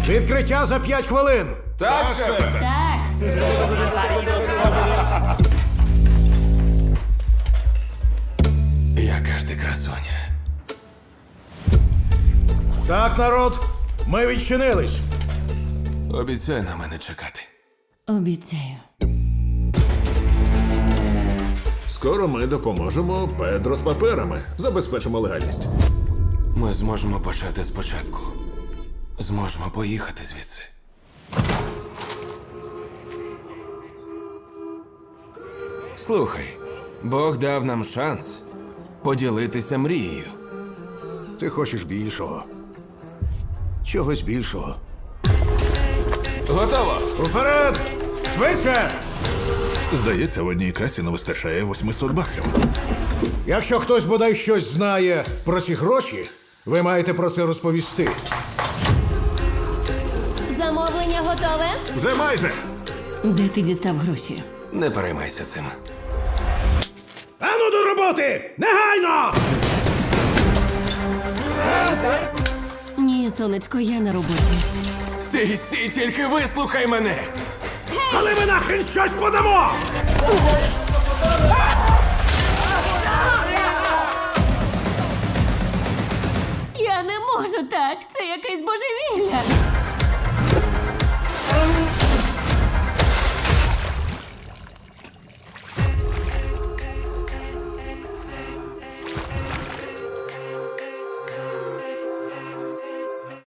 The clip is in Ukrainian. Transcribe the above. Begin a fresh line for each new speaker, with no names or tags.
Відкриття за 5 хвилин.
Так, шефе.
Так.
Яка ж ти красуня.
Так, народ, ми відчинились.
Обіцяй на мене чекати.
Обіцяю.
Скоро ми допоможемо Педро з паперами. Забезпечимо легальність.
Ми зможемо почати спочатку. Зможемо поїхати звідси. Слухай, Бог дав нам шанс поділитися мрією.
Ти хочеш більшого. Чогось більшого.
Готово!
Уперед! Швидше!
Здається, в одній касі не вистачає 800 баксів.
Якщо хтось бодай щось знає про ці гроші, ви маєте про це розповісти.
Замовлення готове?
Вже майже!
Де ти дістав гроші?
Не переймайся цим.
Ану до роботи! Негайно!
Ні, сонечко, я на роботі.
Сій, тільки вислухай мене!
Але ми нахрен щось подамо!
Я не можу так. Це якесь божевілля.